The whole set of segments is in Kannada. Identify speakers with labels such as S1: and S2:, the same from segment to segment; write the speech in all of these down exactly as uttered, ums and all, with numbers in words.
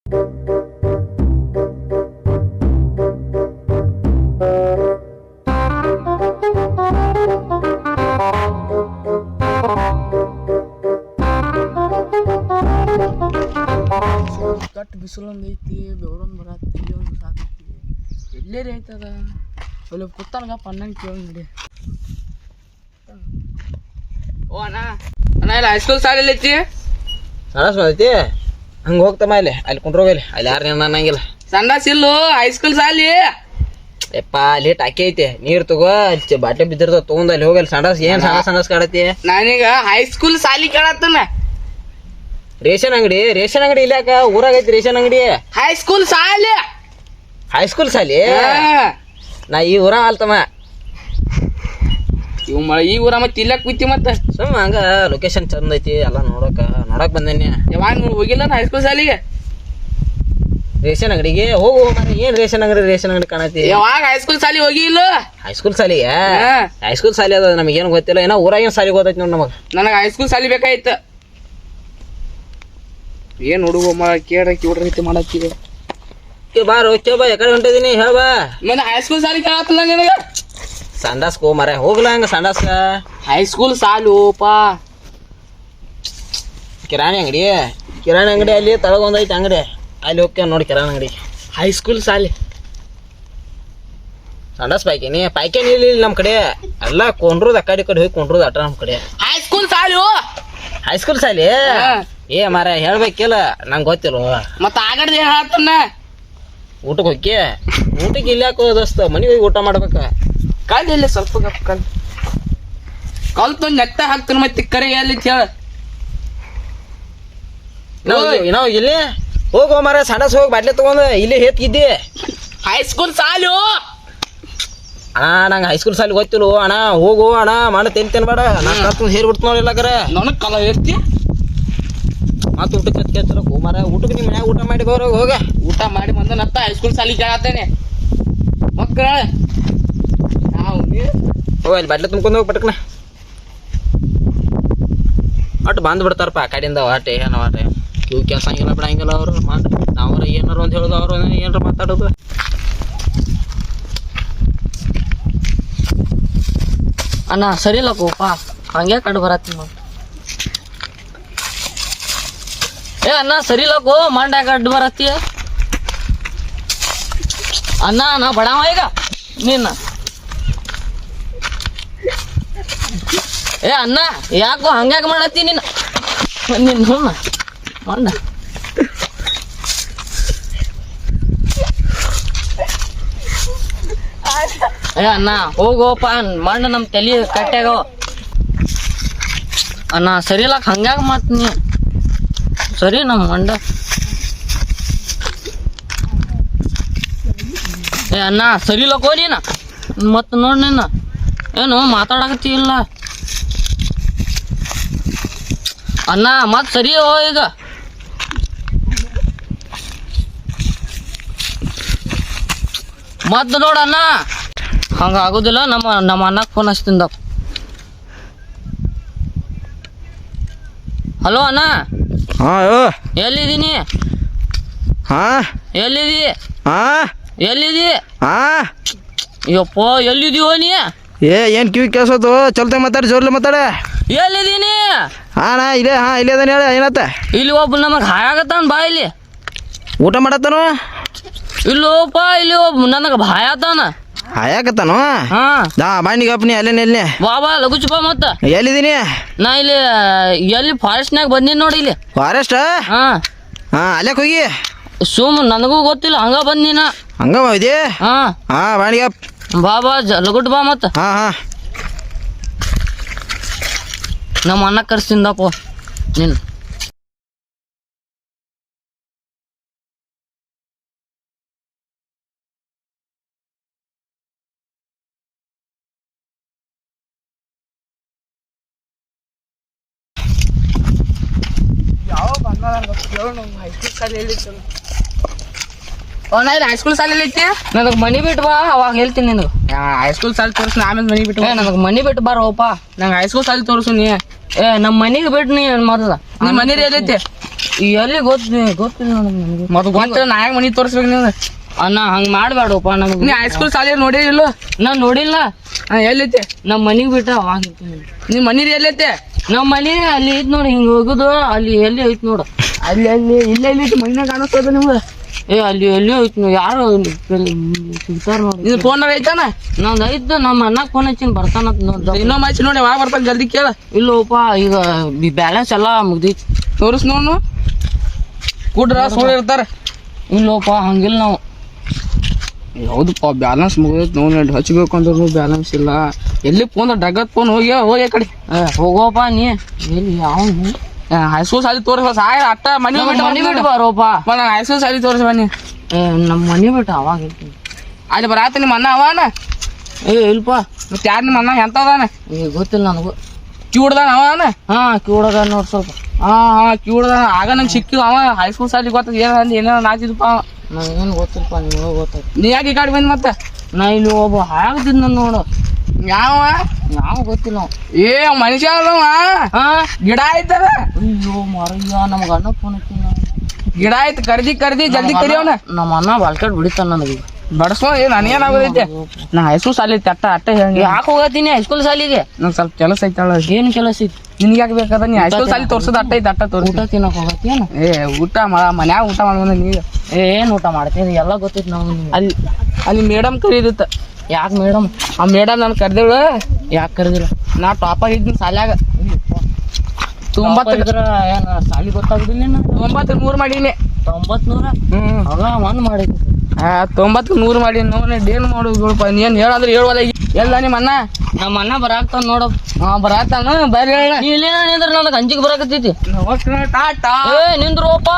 S1: ಕಟ್ ಬಿಸಿಲೊಂದು ಐತಿ, ಬೆವರೊಂದು ಬರತ್ತಿ, ಒಂದು ಸಾಕೈತಿ. ಎಲ್ಲೇ ರೀ ಐತದ ಅಲ್ಲಿ ಕುತ್ತಾನಗ ಪನ್ನಂಗೆ ಕೇಳಿ ನೋಡಿ. ಓ ಅಣ್ಣ ಅಣ್ಣ ಇಲ್ಲ ಹೈಸ್ಕೂಲ್ ಶಾಲೆಯಲ್ಲಿ ಐತಿ
S2: ಸಂಡಾಸ್ ಬಂದೈತಿ. ಹಂಗೆ ಹೋಗ್ತಮ್ಮ ಇಲ್ಲಿ ಅಲ್ಲಿ ಕುಂಡ್ರೋಗಲ್ಲಿ ಅಲ್ಲಿ ಯಾರು ನೀನು ಅನ್ನಂಗಿಲ್ಲ.
S1: ಸಂಡಾಸ್ ಇಲ್ಲು ಹೈಸ್ಕೂಲ್ ಶಾಲಿ.
S2: ಯಪ್ಪ ಅಲ್ಲಿ ಟಾಕಿ ಐತಿ, ನೀರು ತಗೋ ಬಾಟ್ಲಿ ಬಿದ್ದಿರ್ತಾವ ತೊಗೊಂಡು ಅಲ್ಲಿ ಹೋಗಲ್ಲಿ. ಸಂಡಾಸ್ ಏನು ಸಂಡಾಸ್ ಸಂಡಾಸ್ ಕಾಡತಿ.
S1: ನಾನೀಗ ಹೈಸ್ಕೂಲ್ ಶಾಲಿ ಕೇಳತ್ತನ.
S2: ರೇಷನ್ ಅಂಗಡಿ ರೇಷನ್ ಅಂಗಡಿ ಇಲ್ಲಾಕ ಊರಾಗೈತಿ ರೇಷನ್ ಅಂಗಡಿ.
S1: ಹೈಸ್ಕೂಲ್ ಶಾಲಿ
S2: ಹೈಸ್ಕೂಲ್ ಶಾಲಿ ನಾ ಈ ಊರ ಅಲ್ತಮ್ಮ.
S1: ಇವ್ ಮ ಈ ಊರ ಮತ್ತೆ ಇಲ್ಲಕ್ ಬಿತ್ತಿ ಮತ್ತೆ
S2: ಸುಮ್ಮ ಹಂಗ ಲೊಕೇಶನ್ ಚಂದ ಐತಿ ಎಲ್ಲ ನೋಡಕ ನೋಡಕ್ ಬಂದೇನಿ.
S1: ಯಾವಾಗ ಹೋಗಿಲ್ಲ ಹೈಸ್ಕೂಲ್ ಶಾಲಿಗೆ.
S2: ರೇಷನ್ ಅಂಗಡಿಗೆ ಹೋಗು ಮರ. ಏನ್ ರೇಷನ್ ಅಂಗಡಿ ರೇಷನ್ ಅಂಗಡಿ ಕಾಣತಿ.
S1: ಯಾವಾಗ ಹೈಸ್ಕೂಲ್ ಶಾಲಿ ಹೋಗಿ ಇಲ್ಲ.
S2: ಹೈಸ್ಕೂಲ್ ಶಾಲಿ ಹೈಸ್ಕೂಲ್ ಶಾಲಿ ಅದ ನಮಗೇನು ಗೊತ್ತಿಲ್ಲ. ಏನೋ ಊರಾಗೇನು ಶಾಲಿ ಗೊತ್ತೈತಿ ನೋಡಿ ನಮಗ.
S1: ನನಗೆ ಹೈಸ್ಕೂಲ್ ಶಾಲಿ ಬೇಕಾಯ್ತು. ಏನ್ ಹುಡುಗ ಮ ಕೇಳಕ್ಕೆ ಹುಡ್ರ ರೀತಿ ಮಾಡತ್ತೀವಿ.
S2: ಬಾರೋ ಚೋ ಬಾ ಎಕಡೆ ಹೊಂಟಿದೀನಿ ಹೇಳ ಬಾ.
S1: ಮತ್ತೆ ಹೈಸ್ಕೂಲ್ ಶಾಲಿ ಕೇಳತ್ತಲ್ಲ ನಿನಗೆ.
S2: ಸಂಡಾಸ್ಗೆ ಹೋ ಮರ ಹೋಗ್ಲ ಹಂಗ ಸಂಡಾಸ್ಕ.
S1: ಹೈಸ್ಕೂಲ್ ಶಾಲು ಪಾ
S2: ಕಿರಾಣಿ ಅಂಗಡಿ ಕಿರಾಣಿ ಅಂಗಡಿ ಅಲ್ಲಿ ತಳಗೊಂದೈತಿ ಅಂಗಡಿ ಅಲ್ಲಿ ಹೋಗ್ಯ ನೋಡಿ ಕಿರಾಣಿ ಅಂಗಡಿ.
S1: ಹೈಸ್ಕೂಲ್ ಶಾಲಿ
S2: ಸಂಡಾಸ್ ಪಾಯ್ಕೇನಿ ಪಾಯ್ಕೇನಿ ಇಲ್ಲಿ ನಮ್ಮ ಕಡೆ ಎಲ್ಲ ಕೊಂಡ್ರದ್ ಆ ಕಡೆ ಕಡೆ ಹೋಗಿ ಕೊಂಡ್ರದ್ ಅಟ ನಮ್ಮ ಕಡೆ.
S1: ಹೈಸ್ಕೂಲ್ ಶಾಲು
S2: ಹೈಸ್ಕೂಲ್ ಶಾಲಿ ಏ ಮಾರ ಹೇಳ್ಬೇಕಿಲ್ಲ ನಂಗೆ ಗೊತ್ತಿಲ್ಲ.
S1: ಮತ್ತೆ ಆಗಡ್ದು ಏನು ಹೇಳ್ತಾನ.
S2: ಊಟಕ್ಕೆ ಹೋಗಿ ಊಟಕ್ಕೆ ಇಲ್ಲಿ ಯಾಕೋ ದೋಸ್ತ ಮನೆಗೆ ಹೋಗಿ ಊಟ ಮಾಡ್ಬೇಕ.
S1: ಕಲ್ ಇಲ್ಲ ಸ್ವಲ್ಪ ಗಪ್ ಕಲ್ ಕಲ್ತು ನೆತ್ತ ಹಾಕ್ತಾನ ಮತ್ತೆ ಕರೆ ಎಲ್ಲಿ ಹೇಳ.
S2: ನಾವು ಇಲ್ಲಿ ಹೋಗೋ ಮಾರ ಸಂಡಾಸ್ ಹೋಗಿ ಬಾಟ್ಲಿ ತಗೊಂಡು ಇಲ್ಲಿ ಹೇತ್ಗಿದ್ದಿ.
S1: ಹೈಸ್ಕೂಲ್ ಶಾಲು
S2: ಅಣ್ಣ ನಂಗೆ ಹೈಸ್ಕೂಲ್ ಶಾಲೆ ಗೊತ್ತಿಲ್ಲ ಅಣ್ಣ. ಹೋಗು ಅಣ್ಣ ಮಾಡ ತಿಂತೇನೆ ಬೇಡ ನಾ ಕಲ್ತು ಹೇರಿ ಬಿಡ್ತು ನೋಡಿಲ್ಲ ಕರೆ
S1: ನನಗೆ ಕಲ ಎತ್ತಿ
S2: ಮತ್ತೆ ಊಟಕ್ಕೆ ಕೆಚ್ಚರ ಹೋ ಮಾರ. ಊಟಕ್ಕೆ ನಿಮ್ಮ ಮನ್ಯಾಗ ಊಟ ಮಾಡಿ ಬರೋ ಹೋಗ.
S1: ಊಟ ಮಾಡಿ ಬಂದ ನತ್ತ ಹೈಸ್ಕೂಲ್ ಶಾಲಿ ಕೇಳತ್ತೇನೆ ಮಕ್ಕಳ. ನಾವು
S2: ಹೋಗ ಅಲ್ಲಿ ಬಾಟ್ಲಿ ತುಂಬ್ಕೊಂಡು ಹೋಗಿ ಪಟಕ್ನ ಒಟ್ಟು ಬಂದು ಬಿಡ್ತಾರಪ್ಪ ಆ ಕಡೆಯಿಂದ ಆಟೆ ಏನೋ ಆಟೆ ಇವು ಕೆಲಸ ಹಂಗಿಲ್ಲ ಬಿಡಂಗಿಲ್ಲ ಅವರು ಮಾಡಿ ನಾವ್ರ ಏನಾರು ಅಂತ ಹೇಳೋದು ಅವರು ಏನಾರು ಮಾತಾಡೋದು.
S1: ಅಣ್ಣ ಸರಿ ಇಲ್ಲ ಕೋಪ ಹಂಗೆ ಕಡು ಬರತ್ತಿ ನೋಡಿ. ಏ ಅಣ್ಣ ಸರಿ ಇಲ್ಲಕೋ ಮಂಡ್ಯಾಗ ಅಡ್ಡು ಬರತ್ತಿ. ಅಣ್ಣ ನಾ ಬಡವ ಈಗ ನಿನ್ನ. ಏ ಅಣ್ಣ ಯಾಕೋ ಹಂಗ್ಯಾಕ ಮಾಡತ್ತಿ ನೀನು ನಿನ್ನ ಮಂಡ. ಏ ಅಣ್ಣ ಹೋಗೋಪ ಮಂಡ ನಮ್ಮ ತಲೆ ಕಟ್ಟಾಗ. ಅಣ್ಣ ಸರಿ ಇಲ್ಲಕ ಹಂಗ್ಯಾಗ ಮಾತು ನೀ ಸರಿ ನಮ್ಮ ಮಂಡ. ಏ ಅಣ್ಣ ಸರಿ ಇಲ್ಲ ಕೋಲಿನ ಮತ್ತೆ ನೋಡಿ ನೀನು ಏನು ಮಾತಾಡಕತ್ತಿ ಇಲ್ಲ. ಅಣ್ಣ ಮತ್ತೆ ಸರಿ ಹೋ ಈಗ. ಮತ್ತೆ ನೋಡಣ್ಣ ಹಂಗೆ ಆಗೋದಿಲ್ಲ. ನಮ್ಮ ನಮ್ಮ ಅಣ್ಣಕ್ಕೆ ಫೋನ್ ಹಚ್ತಿಂದ. ಹಲೋ ಅಣ್ಣ.
S2: ಹಾಂ
S1: ಎಲ್ಲಿದ್ದೀನಿ.
S2: ಹಾಂ
S1: ಎಲ್ಲಿದಿ.
S2: ಹಾಂ
S1: ಎಲ್ಲಿದಿ.
S2: ಹಾಂ
S1: ಯಪ್ಪ ಎಲ್ಲಿದೀವೋ ನೀ.
S2: ಏ ಏನು ಕಿವಿ ಕೇಳಿಸೋದು ಚಲ್ತ ಮಾತಾಡಿ ಜೋರ್ಲೆ ಮಾತಾಡ.
S1: ಎಲ್ಲಿದ್ದೀನಿ.
S2: ಹಾಂ ನಾ ಇಲ್ಲೇ ಹಾಂ ಇಲ್ಲೇ ಅದಾನೆ ಹೇಳ ಏನತ್ತ.
S1: ಇಲ್ಲಿ ಒಬ್ಬ ನಮಗೆ ಹಾಯಾಗತ್ತಾನ ಬಾ ಇಲ್ಲಿ.
S2: ಊಟ ಮಾಡತ್ತಾನು.
S1: ಇಲ್ಲೋಪ ಇಲ್ಲಿ ಒಬ್ಬ ನನಗೆ ಭಾಯ ಆತಾನ.
S2: ಹಾಯಾಕತ್ತಾನು.
S1: ಹಾಂ
S2: ದಾ ಬಾಂಡಿಗಪ್ಪನಿ ಅಲ್ಲೇನೆ ಎಲ್ಲಿ
S1: ಬಾ ಬಾ ಲಗುಚು ಬಾ ಮತ್ತೆ.
S2: ಎಲ್ಲಿದ್ದೀನಿ
S1: ನಾ ಇಲ್ಲಿ ಎಲ್ಲಿ ಫಾರೆಸ್ಟ್ನಾಗ ಬಂದೀನಿ ನೋಡಿ ಇಲ್ಲಿ.
S2: ಫಾರೆಸ್ಟ್
S1: ಹಾಂ
S2: ಹಾಂ ಅಲ್ಲೇಕ್ ಹೋಗಿ
S1: ಸುಮ್ ನನಗೂ ಗೊತ್ತಿಲ್ಲ ಹಂಗ ಬಂದಿನ.
S2: ಹಂಗ ಇದೆ.
S1: ಹಾಂ
S2: ಹಾಂ ಬಾಂಡಿಗಪ್ಪ
S1: ಬಾ ಬಾ ಲಗುಟ್ ಬಾ ಮತ್ತೆ.
S2: ಹಾಂ ಹಾಂ
S1: ನಮ್ಮ ಅಣ್ಣ ಕರ್ಸಿಂದಪ್ಪ ನೀನು. ಯಾವ ಬಂದ ಹೈಸ್ಕೂಲ್ ಶಾಲೆಯಲ್ಲಿ ನಾ ಇಲ್ಲಿ ಹೈಸ್ಕೂಲ್ ಶಾಲೆಯಲ್ಲಿ ಐತಿ. ನನಗೆ ಮನಿ ಬಿಟ್ಟು ಬಾ ಅವಾಗ ಹೇಳ್ತೀನಿ ನಿನಗೆ. ಹೈಸ್ಕೂಲ್ ಶಾಲೆ ತೋರಿಸಿ ಆಮೇಲೆ ಮನಿ ಬಿಟ್ಟು ಏ ನನಗೆ ಮನಿ ಬಿಟ್ಟು ಬಾರೋಪ. ನಂಗೆ ಹೈಸ್ಕೂಲ್ ಶಾಲೆ ತೋರಿಸು ನೀ. ಏ ನಮ್ಮ ಮನೆಗೆ ಬಿಟ್ಟು ನೀ ಮೊದಲ ನಿಮ್ಮ ಮನೇಲಿ ಎಲ್ಲೈತಿ.
S2: ಎಲ್ಲಿ ಗೊತ್ತ ಗೊತ್ತಿಲ್ಲ ನನಗೆ
S1: ಮತ್ತೆ ಗೊತ್ತಿಲ್ಲ ನಾ ಯಾಕೆ ಮನಿ ತೋರಿಸ್ಬೇಕು ನೀವು
S2: ಅಣ್ಣ ಹಂಗೆ ಮಾಡಬೇಡಪ್ಪ ನಂಗೆ
S1: ನೀ ಹೈಸ್ಕೂಲ್ ಶಾಲೆ ನೋಡಿ ಇಲ್ಲ
S2: ನಾ ನೋಡಿಲ್ಲ
S1: ಹಾಂ ಎಲ್ಲೈತೆ
S2: ನಮ್ಮ ಮನೆಗೆ ಬಿಟ್ಟ ಅವಾಗ
S1: ನಿಮ್ಮ ಮನೀರಿ ಎಲ್ಲೈತೆ
S2: ನಮ್ಮ ಮನೆ ಅಲ್ಲಿ ಐತ್ ನೋಡಿ ಹಿಂಗೆ ಹೋಗುದು ಅಲ್ಲಿ ಎಲ್ಲಿ ಐತ್ ನೋಡು
S1: ಅಲ್ಲಿ ಅಲ್ಲಿ ಇಲ್ಲ ಇಲ್ಲಿ ಮೈನಾಗ ಕಾಣಿಸ್ತದ ನಿಮ್ಗೆ
S2: ಏ ಅಲ್ಲಿ ಎಲ್ಲಿ ಐತ್ ನೀವು ಯಾರು ಸಿಗ್ತಾರ ನೋಡಿ
S1: ಇದು ಫೋನಾಗ ಐತಾನ
S2: ನಂದು ಐತ್ ನಮ್ಮ ಅಣ್ಣಗೆ ಫೋನ್ ಹಚ್ಚಿನ ಬರ್ತಾನಂತ ನೋಡ್ದ
S1: ಇನ್ನೊಮ್ಮೆ ಹಚ್ಚಿ ನೋಡಿ ಯಾವಾಗ ಬರ್ತಾನೆ ಜಲ್ದಿ ಕೇಳ
S2: ಇಲ್ಲೋಪ ಈಗ ಬ್ಯಾಲೆನ್ಸ್ ಎಲ್ಲ ಮುಗ್ದೈತಿ
S1: ತೋರಿಸ್ ನೋಡು ಕೂಡ್ರ ಸುಳ್ಳು ಇರ್ತಾರೆ
S2: ಇಲ್ಲೋಪ ಹಂಗಿಲ್ಲ ನಾವು
S1: ಹೌದಪ್ಪ ಬ್ಯಾಲೆನ್ಸ್ ಮುಗಿದೈತೆ ನೋಡಿ ಹಚ್ಬೇಕು ಅಂದ್ರೂ ಬ್ಯಾಲೆನ್ಸ್ ಇಲ್ಲ ಎಲ್ಲಿ ಫೋನ್ ಡಗತ್ ಫೋನ್ ಹೋಗಿ ಹೋಗಿ ಆ ಕಡೆ
S2: ಏ ಹೋಗೋಪ ನೀ ಎಲ್ಲಿ ಯಾವ
S1: ಹೈಸ್ಕೂಲ್ ಸಾಲಿ ತೋರಿಸ ಸಾಯ ಅಟ್ಟ ಮನೆ
S2: ಮನೆ ಬಿಟ್ಟು ಬರೋಪ
S1: ನಂಗೆ ಹೈಸ್ಕೂಲ್ ಸಾಲಿ ತೋರಿಸ ಬನ್ನಿ
S2: ಏ ನಮ್ಮ ಮನೆ ಬಿಟ್ಟು ಅವಾಗ ಇರ್ತೀನಿ
S1: ಅಲ್ಲಿ ಬರಾತ ನಿಮ್ಮ ಅಣ್ಣ ಅವನ
S2: ಏ ಇಲ್ಪ
S1: ಮತ್ತೆ ಯಾರು ನಿಮ್ಮ ಅಣ್ಣ ಎಂತ ಅದಾನ
S2: ಏ ಗೊತ್ತಿಲ್ಲ ನನಗೂ
S1: ಕಿವುಡ್ದಾನ ಅವನ
S2: ಹಾ ಕಿವಡಗ ನೋಡಿ ಸ್ವಲ್ಪ
S1: ಹಾಂ ಹಾಂ ಕಿವುಡ್ದಾನ ಆಗ ನಂಗೆ ಸಿಕ್ಕಿಲ್ಲ ಅವ ಹೈಸ್ಕೂಲ್ ಸಾಲಿ ಗೊತ್ತದ ಏನು ಏನೇನೋ ನಾಚಿದಪ್ಪ
S2: ನನಗೇನು ಗೊತ್ತಿಲ್ಲಪ್ಪ ನಿಮಗೆ ಗೊತ್ತಾಯ್ತು
S1: ನೀ ಯಾಕೆ ಈ ಕಡೆ ಬಂದು ಮತ್ತೆ
S2: ನಾ ಇಲ್ಲಿ ಒಬ್ಬ ಹಾಕ್ತಿದ್ ನಾನು ನೋಡು
S1: ಯಾವ
S2: ಯಾವ ಗೊತ್ತಿಲ್ಲ ನಾವು
S1: ಏ ಮನುಷ್ಯ ಅಲ್ಲವ
S2: ಹಾ
S1: ಗಿಡ ಆಯ್ತದ
S2: ಅಯ್ಯೋ ಮರಯ್ಯ ನಮ್ಗೆ ಅಣ್ಣ ಫೋನ್ ಹಚ್ಚಿನ
S1: ಗಿಡ ಆಯ್ತು ಕರ್ದಿ ಕರ್ದಿ ಜಲ್ದಿ ಕರಿಯವನ
S2: ನಮ್ಮ ಅಣ್ಣ ಬಾಲ್ಕಾಡ್ ಬಿಡಿತಾನ ನನಗೆ
S1: ಬಡಸ್ಕೊ ಏ ನನಗೇನಾಗೋದೈತೆ ನಾ ಹೈಸ್ಕೂಲ್ ಸಾಲಿ ಐತಿ ಅಟ್ಟ ಅಟ್ಟ ಹೇಳಿ
S2: ಯಾಕೆ ಹೋಗತ್ತೀನಿ ಹೈಸ್ಕೂಲ್ ಸಾಲಿಗೆ
S1: ನಂಗೆ ಸ್ವಲ್ಪ ಕೆಲಸ ಐತಳ
S2: ಏನು ಕೆಲಸ ಐತಿ
S1: ನಿನ್ಗೆ ಯಾಕೆ ಬೇಕಾದ ನೀ ಹೈಸ್ಕೂಲ್ ಸಾಲಿ ತೋರ್ಸೋದು ಅಟ್ಟ ಐತೆ ಅಟ್ಟ ತೋರ್ಸ
S2: ಊಟ ತಿನ್ನಕ್ ಹೋಗತ್ತೀನ
S1: ಏ ಊಟ ಮನ್ಯಾಗ ಊಟ ಮಾಡ್ಬಂದ ನೀಗ
S2: ಏ ಏನು ಊಟ ಮಾಡ್ತೀನಿ ಎಲ್ಲ ಗೊತ್ತೈತಿ ನಾವು
S1: ಅಲ್ಲಿ ಅಲ್ಲಿ ಮೇಡಮ್ ಕರೀದಿತ್ತ
S2: ಯಾಕೆ ಮೇಡಮ್
S1: ಆ ಮೇಡಮ್ ನಾನು ಕರೆದೇಳು
S2: ಯಾಕೆ ಕರೆದಿಲ್ಲ
S1: ನಾ ಟಾಪರ್ ಇದ್ದೀನಿ ಸಾಲ್ಯಾಗ ತೊಂಬತ್ತು
S2: ಇದ್ರ ಏನು ಸಾಲಿ ಗೊತ್ತಾಗುದಿಲ್ಲ
S1: ತೊಂಬತ್ತು ನೂರು ಮಾಡೀನಿ
S2: ತೊಂಬತ್ ನೂರ
S1: ಹ್ಞೂ
S2: ಆಗ ಒಂದು ಮಾಡಿದ್ವಿ
S1: ಆ ತೊಂಬತ್ತು ನೂರು ಮಾಡೀನಿ ನೋಡ್ ಏನು ಮಾಡೋದು ನೀನು ಹೇಳಂದ್ರೆ ಹೇಳುವಲ್ಲ ಎಲ್ಲ ನಿಮ್ಮ ಅಣ್ಣ
S2: ನಮ್ಮ ಅಣ್ಣ ಬರಾಕ್ತಾನ ನೋಡಪ್ಪ
S1: ಹಾಂ ಬರಾತಾನ ಬರ್ರಿ ಹೇಳ
S2: ನೀ ಇಲ್ಲೇನ ನಿಂದ್ರ ನನಗೆ ಅಂಜಿಗೆ ಬರಾಕತ್ತೈತಿ
S1: ನಮಸ್ಕಾರ ಟಾಟಾ
S2: ಏ ನಿಂದ್ರೋಪ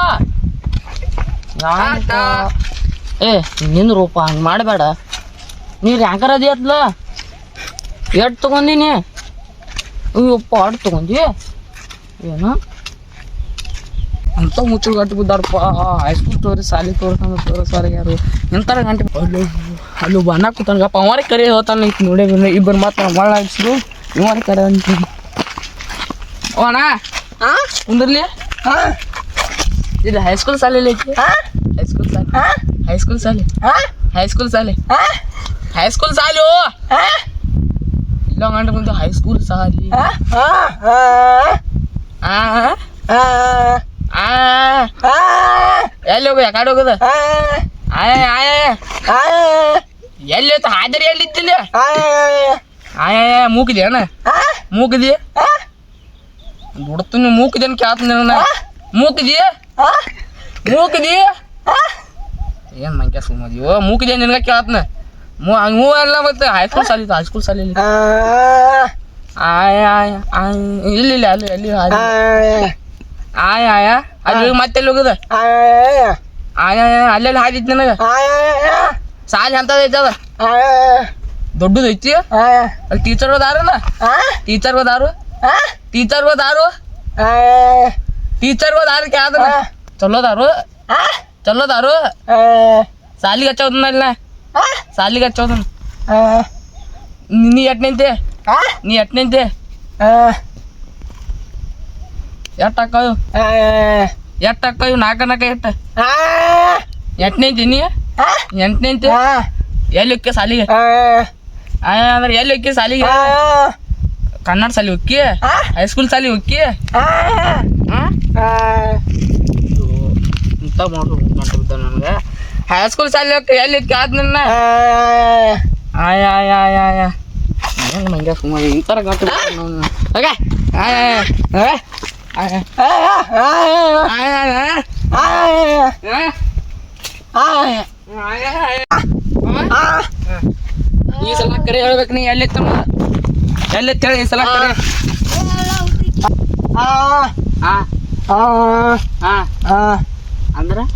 S1: ಟಾಟಾ
S2: ಏ ನಿಂದ್ರೋಪ ಹಂಗೆ ಮಾಡಬೇಡ ನೀರು ಯಾಕಾರ ಅದಿ ಅತ್ಲ ಎಟ್ ತಗೊಂಡಿನಿ ಅಯ್ಯಪ್ಪ ಆಡ್ ತಗೊಂಡಿ ಏನು
S1: ಅಂತ ಮುಚ್ಚು ಗಂಟು ಬಿದ್ದಾರಪ್ಪ ಹೈಸ್ಕೂಲ್ ತೋರಿ ಸಾಲಿ ತೋರ್ಸಂದ್ರೆ ತೋರಿಸ್ವಾರ ಯಾರು ಎಂತಾರ ಗಂಟೆ ಅಲ್ಲಿ ಅಲ್ಲಿ ಬಣ್ಣ ಕೂತಾನಗಪ್ಪ ಅವರೇ ಕರೆ ಹೇಳ್ತಾನೆ ಐತಿ ನೋಡಿ ಇಬ್ಬರು ಮಾತು ಮಳ್ಳ ಹಾಕ್ಸಿದ್ರು ಇವರೇ ಕರೆ ಅಂತೀನಿ ಓ ಅಣ್ಣ ಹಾಂ ಕುಂದ್ರಲಿ ಹಾಂ ಇದು ಹೈಸ್ಕೂಲ್ ಶಾಲೆಯಲ್ಲಿ ಐತಿ ಹೈಸ್ಕೂಲ್ ಶಾಲೆ ಹೈಸ್ಕೂಲ್ ಶಾಲೆ ಹೈಸ್ಕೂಲ್ ಶಾಲೆ ಹೈಸ್ಕೂಲ್ ಶಾಲೆ ಇಲ್ಲ ಗಂಟೆ ಬಂದು ಹೈಸ್ಕೂಲ್ ಶಾಲೆ ಎಲ್ಲಿ ಹೋಗ ಯಾಕಡೆ ಹೋಗುದ ಆಯ ಆಯ ಎಲ್ಲಿ ಹೋಯ್ತು ಹಾಜರಿ ಎಲ್ಲಿ ಇತ್ತಿಲ್ಲ ಆಯ ಮೂಕಿದೆ ಅಣ್ಣ ಮೂಕಿದಿ ಬಿಡ್ತೀನಿ ಮೂಕಿದೇನು ಕೇಳ್ತೀನಿ ಅಣ್ಣ ಮೂಕಿದಿ ಮೂಕಿದಿ ಏನು ಮಂಕ್ಯ ಸುಮ್ಮದಿವೋ ಮೂಕಿದೆ ನಿನಗೆ ಕೇಳ್ತನ ಮೂ ಹಂಗೆ ಮೂ ಎಲ್ಲ ಮತ್ತೆ ಹೈಸ್ಕೂಲ್ ಸಾಲಿ ಹೈಸ್ಕೂಲ್ ಸಾಲಿಲಿ ಆಯ ಆಯ ಆಯ ಇಲ್ಲ ಇಲ್ಲ ಅಲ್ಲಿ ಅಲ್ಲಿ ಆಯ ಆಯ ಅಲ್ಲಿ ಮತ್ತೆ ಎಲ್ಲಿ ಹೋಗುದ ಆಯ ಅಲ್ಲೆಲ್ಲಿ ಹಾದಿತ್ತು ನನಗೆ ಸಾಲಿ ಅಂತದ ಐತದ ದೊಡ್ಡದು ಐತಿ ಅಲ್ಲಿ ಟೀಚರ್ ಹೋದಾರಲ್ಲ ಟೀಚರ್ ಹೋದಾರು ಟೀಚರ್ ಹೋದಾರು ಟೀಚರ್ ಹೋದಾರು ಕ್ಯಾದ್ರ ಚಲೋದಾರು ಚಲೋದಾರು ಸಾಲಿಗೆ ಹಚ್ಚೋದನ್ನ ಸಾಲಿಗೆ ಹಚ್ಚೋದನ್ನ ನೀ ಎಟ್ ನಿಂತೆ ನೀ ಎಟ್ ನಿಂತೆ ಎಟ್ ಹಾಕವು ಎಟ್ ಹಾಕವು ನಾಲ್ಕ ನಾಲ್ಕ ಎಟ್ಟ ಎಟ್ ನಿಂತಿ ನೀ ಎಂಟು ನಿಂತೆ ಎಲ್ಲಿ ಹೊಕ್ಕಿ ಸಾಲಿಗೆ ಅಂದ್ರೆ ಎಲ್ಲಿ ಹೊಕ್ಕಿ ಸಾಲಿಗೆ ಕನ್ನಡ ಸಾಲಿ ಹೊಕ್ಕಿ ಹೈಸ್ಕೂಲ್ ಸಾಲಿ ಹೊಕ್ಕಿ ಇಂಥ ಮಾಡ್ರು ನನಗೆ ಹೈಸ್ಕೂಲ್ ಸಾಲಿ ಹೊಕ್ಕಿ ಎಲ್ಲಿ ಹೊಕ್ಕಿ ಆದ್ ನನ್ನ ಆಯ ಆಯ ಆಯ ಆಯ ಏನು ಮಂಗ್ಯ ಸುಮಾರು ಇಂಥರ ಗಂಟು ಓಕೆ ಆಯ ಆಯ ಈ ಸಲ ಕರೆ ಹೇಳ್ಬೇಕು ನೀ ಎಲ್ಲಿ ತಮ್ಮ ಎಲ್ಲಿ ಹೇಳಿ ಈ ಸಲ ಕರೆ ಅಂದ್ರೆ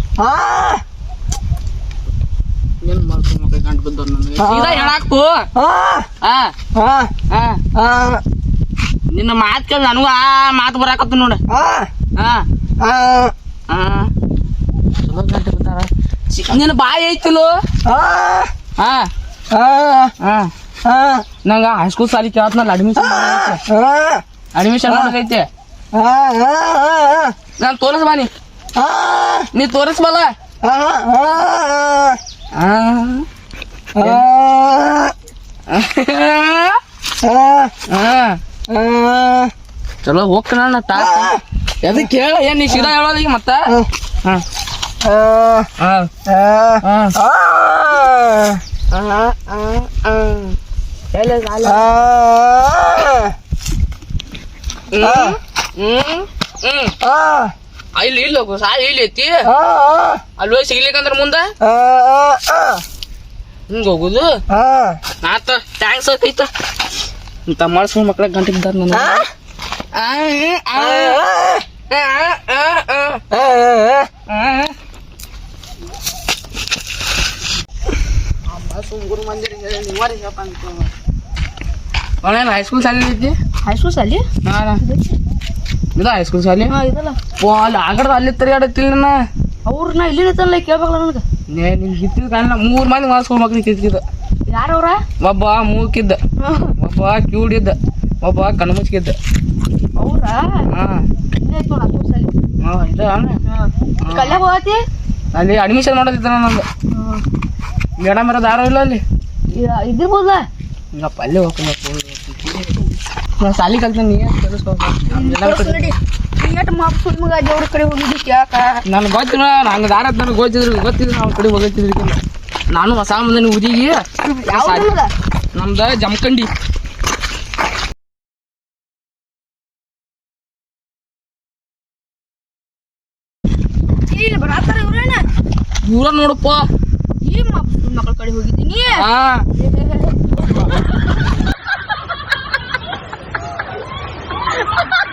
S1: ಏನು ಮಾಡ್ಕೊ ಮಕ್ಕ ಗಂಟು ಬಿದ್ದವ್ರು ನನಗೆ ಸೀದಾ ಹೇಳಾಕು ನಿನ್ನ ಮಾತು ಕೇಳಿ ನನಗೂ ಆ ಮಾತು ಬರಾಕತ್ತ ನೋಡ ಚಲೋ ಗಂಟೆ ಬಿದ್ದಾರ ನಿನ್ನ ಬಾಯಿ ಐತಿಲು ಹಾ ನಂಗೆ ಹೈಸ್ಕೂಲ್ ಸಾಲಿ ಕೇಳತ್ನಲ್ಲ ಅಡ್ಮಿಷನ್ ಅಡ್ಮಿಷನ್ ಮಾಡೋದೈತೆ ನಾನು ತೋರಿಸ್ ಬಾನಿ ನೀ ತೋರಿಸ್ಬಲ್ಲ ಚಲೋ ಹೋಗ್ತಾನ ತಾ ಎದಕ್ಕೆ ಕೇಳ ಏನ್ ನೀ ಸೀದಾ ಹೇಳೋದ ಈಗ ಮತ್ತ ಹಾ ಇಲ್ಲಿ ಇಲ್ಲ ಸಾ ಇಲ್ಲಿ ಐತಿ ಅಲ್ಲಿ ಹೋಗಿ ಸಿಗ್ಲಿಕ್ಕಂದ್ರ ಮುಂದ ಹಿಂಗ ಹೋಗುದು ಆತ ಟ್ಯಾಂಕ್ಸ್ ಐತ ಇಂತ ಮಾಡ್ಸ್ಕೊಂಡ್ ಮಕ್ಳ ಗಂಟೆ ಬಿದ್ದಾರ ನನ್ನ ಹೈಸ್ಕೂಲ್ ಶಾಲೆ ಐತಿ
S3: ಹೈಸ್ಕೂಲ್ ಶಾಲಿ
S1: ಇದು ಹೈಸ್ಕೂಲ್ ಶಾಲೆ
S3: ಹಾ ಇದಲ್ಲ
S1: ಓ ಅಲ್ಲಿ ಆಗಡ್ದ ಅಲ್ಲಿ ತಿರುಗಾಡತ್ತಿಲ್ಲ ನನ್ನ
S3: ಅವ್ರನ್ನ ಇಲ್ಲಿ ನಿಂತಲ್ಲ ಕೇಳ್ಬೇಕಲ್ಲ ನನಗೆ
S1: ನಿನ್ ಕಿತ್ತಿದ ಕಾರಣ ಮೂರ್ ಮಂದಿ ಮಾಡ್ಸ್ಕೊಂಡ್ ಮಕ್ಳು ಕಿತ್ತಿದ
S3: ಯಾರವ್ರ
S1: ಒಬ್ಬ ಮೂಕಿದ್ದ ಒಬ್ಬ ಕ್ಯೂಡಿದ್ದ ಒಬ್ಬ ಕಣ್ಮುಚ್ಕಿದ್ದ
S3: ಅವ್ರ
S1: ಹಾ
S3: ಹೈಸ್ಕೂಲ್ ಶಾಲಿ
S1: ಹಾ ಇದ
S3: ಕಲ್ಯಾಗ ಹೋಗತಿ
S1: ಅಲ್ಲಿ ಅಡ್ಮಿಷನ್ ಮಾಡೋದಿತ್ತ ನಂದು ಮೇಡಮ್ ಇರೋದು ಯಾರೋ ಇಲ್ಲ ಅಲ್ಲಿ
S3: ಇದಿರ್ಬೋದ
S1: ಹಿಂಗಪ್ಪ ಅಲ್ಲೇ ಹೋಗ್ಬೇಕು ನಾ ಸಾಲಿ ಕಲ್ತೀನಿ ನೀ
S3: ಮಗ ದೇವ್ರ ಕಡೆ ಹೋಗಿದ್ದು ಯಾಕ
S1: ನನ್ಗೆ ಗೊತ್ತಿಲ್ಲ ನಂಗೆ ದಾರ ನನಗೆ ಗೊತ್ತಿದ್ರು ಗೊತ್ತಿದ್ರು ಅವ್ನ ಕಡೆ ಹೋಗತ್ತಿದ್ರಿಗಿಲ್ಲ ನಾನು ಹೊಸ ಮಂದಿನ ಉದಿಗಿ ನಮ್ದ ಜಮಖಂಡಿ
S3: ಬರಾತಾರ ಇವ್ರೇನ
S1: ಇವ್ರ ನೋಡಪ್ಪ
S3: ಈ ಮಕ್ಕಳ ಕಡೆ ಹೋಗಿದ್ದೀನಿ
S1: ಹಾ